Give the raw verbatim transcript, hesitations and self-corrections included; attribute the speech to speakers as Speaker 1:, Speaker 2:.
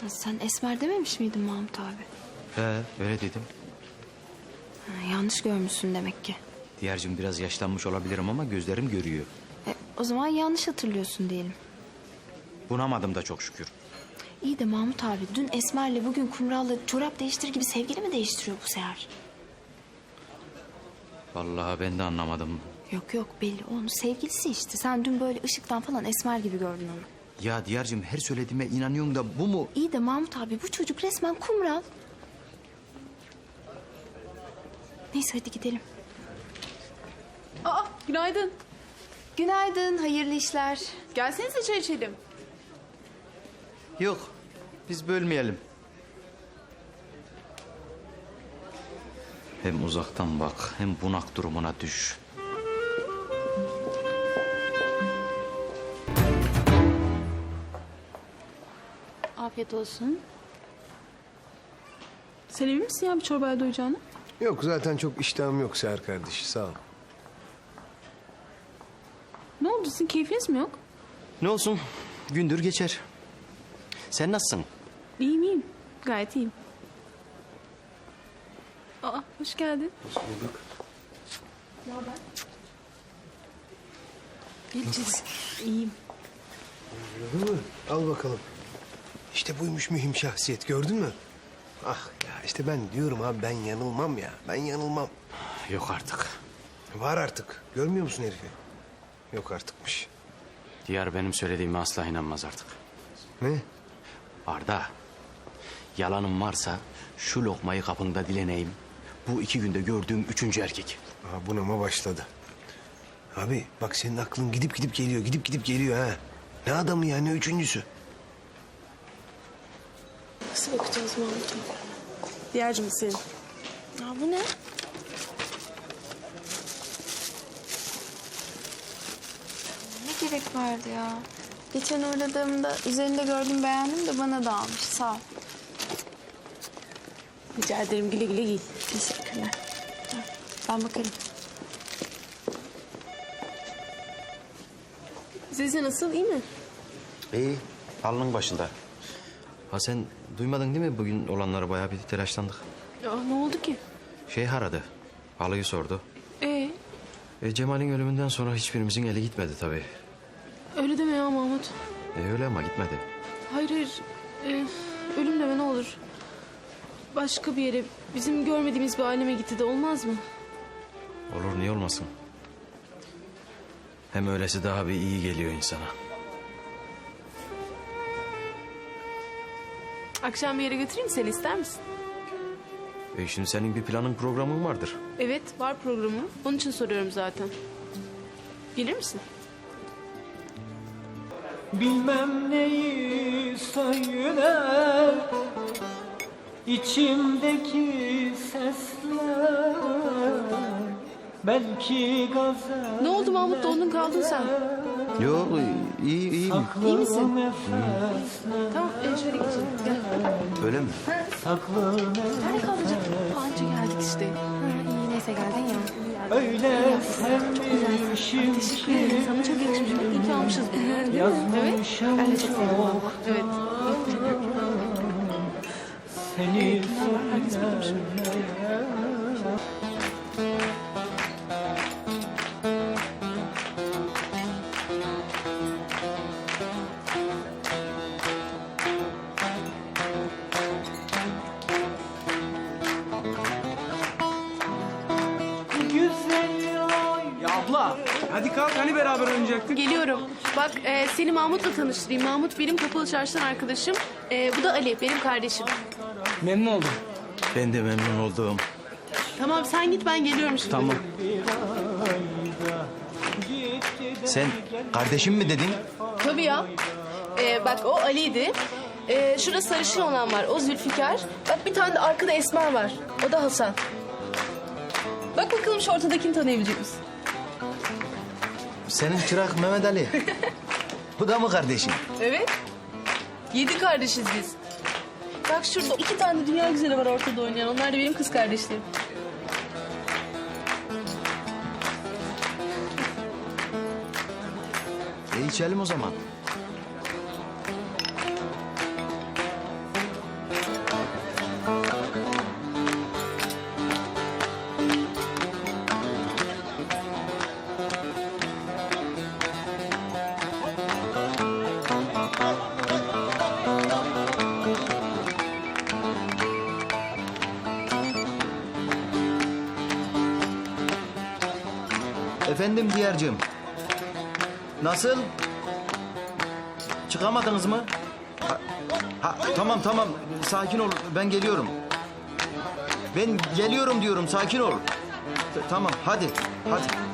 Speaker 1: Sen Esmer dememiş miydin Mahmut abi?
Speaker 2: He, öyle dedim.
Speaker 1: Ha, yanlış görmüşsün demek ki.
Speaker 2: Diyarcığım biraz yaşlanmış olabilirim ama gözlerim görüyor.
Speaker 1: E, o zaman yanlış hatırlıyorsun diyelim.
Speaker 2: Bunamadım da çok şükür.
Speaker 1: İyi de Mahmut abi dün Esmer'le bugün Kumral'la çorap değiştir gibi sevgili mi değiştiriyor bu seher?
Speaker 2: Vallahi ben de anlamadım.
Speaker 1: Yok yok belli onun sevgilisi işte. Sen dün böyle ışıktan falan Esmer gibi gördün onu.
Speaker 2: Ya Diyarcığım her söylediğime inanıyorsun da bu mu?
Speaker 1: İyi de Mahmut abi bu çocuk resmen Kumral. Neyse hadi gidelim.
Speaker 3: Aa, günaydın.
Speaker 1: Günaydın, hayırlı işler.
Speaker 3: Gelsenize çay içelim.
Speaker 2: Yok, biz bölmeyelim. Hem uzaktan bak, hem bunak durumuna düş.
Speaker 1: Afiyet olsun.
Speaker 3: Sen emin misin ya bir çorbaya doyacağını?
Speaker 4: Yok zaten çok iştahım yok Seher kardeş sağ ol.
Speaker 3: Ne oldu sizin keyfiniz mi yok?
Speaker 2: Ne olsun, gündür geçer. Sen nasılsın?
Speaker 3: İyiyim iyiyim. Gayet iyiyim. Aa, hoş geldin.
Speaker 4: Hoş bulduk.
Speaker 3: Geleceğiz. İyiyim.
Speaker 4: Gördün mü? Al bakalım. İşte buymuş mühim şahsiyet gördün mü? Ah ya işte ben diyorum abi ben yanılmam ya. Ben yanılmam.
Speaker 2: Yok artık.
Speaker 4: Var artık. Görmüyor musun herifi? Yok artıkmış.
Speaker 2: Diyar benim söylediğime asla inanmaz artık.
Speaker 4: Ne?
Speaker 2: Arda, yalanım varsa şu lokmayı kapında dileneyim. Bu iki günde gördüğüm üçüncü erkek.
Speaker 4: Aha bunama başladı. Abi bak senin aklın gidip gidip geliyor. Gidip gidip geliyor ha. Ne adamı ya ne üçüncüsü?
Speaker 3: Nasıl bakacağız Mahmut'um? Diğercim senin.
Speaker 1: Aa, bu ne? Ne gerek vardı ya? Geçen uğradığımda üzerinde gördüm beğendim de bana da almış. Sağ ol.
Speaker 3: Rica ederim güle güle giy.
Speaker 1: Teşekkürler. Ben bakarım.
Speaker 3: Zeze nasıl iyi mi?
Speaker 2: İyi, alnın başında. Ha sen duymadın değil mi bugün olanları bayağı bir telaşlandık.
Speaker 3: Aa, ne oldu ki?
Speaker 2: Şey aradı, halıyı sordu.
Speaker 3: Ee,
Speaker 2: E, Cemal'in ölümünden sonra hiçbirimizin eli gitmedi tabii.
Speaker 3: öyle deme ya Mahmut.
Speaker 2: E, öyle ama gitmedi.
Speaker 3: Hayır hayır. Ee, ölüm deme ne olur. Başka bir yere, bizim görmediğimiz bir aleme gitti de olmaz mı?
Speaker 2: Olur niye olmasın? Hem öylesi daha bir iyi geliyor insana.
Speaker 3: Akşam bir yere götüreyim seni ister misin?
Speaker 2: E, şimdi senin bir planın programın vardır.
Speaker 3: Evet var programı. Onun için soruyorum zaten. Gelir misin?
Speaker 5: Bilmem neyi söyler içimdeki sesler belki gazel.
Speaker 3: Ne oldu Mahmut dondun kaldın sen.
Speaker 2: Yok iyi iyi.
Speaker 3: İyi misin?
Speaker 5: Nefesler,
Speaker 3: Tamam e, şöyle geçelim. Gel.
Speaker 2: Öyle mi?
Speaker 5: saklı
Speaker 3: Nerede kalacak? Anca geldik işte.
Speaker 1: İyi neyse geldin ya.
Speaker 5: öyle sevmişim
Speaker 3: Teşekkür ederim. Sana çok yakışmış. İyi ki almışız bunu. Evet.
Speaker 5: yazmışım
Speaker 3: Ben de çok sevdim valla. Evet.
Speaker 5: seni güzel ay.
Speaker 6: Ya abla hadi kalk hani beraber oynayacaktık.
Speaker 3: Geliyorum. Bak e, seni Mahmut'la tanıştırayım. Mahmut benim Kapalı Çarşı'dan arkadaşım. E, bu da Ali benim kardeşim.
Speaker 6: Memnun oldum.
Speaker 2: Ben de memnun oldum.
Speaker 3: Tamam sen git ben geliyorum şimdi.
Speaker 6: Tamam.
Speaker 2: Sen kardeşim mi dedin?
Speaker 3: Tabii ya. E, bak o Ali'ydi. E, şurada sarışın olan var. O Zülfikar. Bak bir tane de arkada Esmer var. O da Hasan. Bak bakalım şu ortadakini tanıyabilecek misin?
Speaker 2: Senin çırak Mehmet Ali. Bu da mı kardeşin?
Speaker 3: Evet. Yedi kardeşiz biz. Bak şurada iki tane dünya güzeli var ortada oynayan. Onlar da benim kız kardeşlerim.
Speaker 2: E içelim o zaman.
Speaker 7: Efendim Diyar'cığım. Nasıl? Çıkamadınız mı? Ha, ha, tamam tamam sakin ol ben geliyorum. Ben geliyorum diyorum sakin ol. T- Tamam hadi hadi.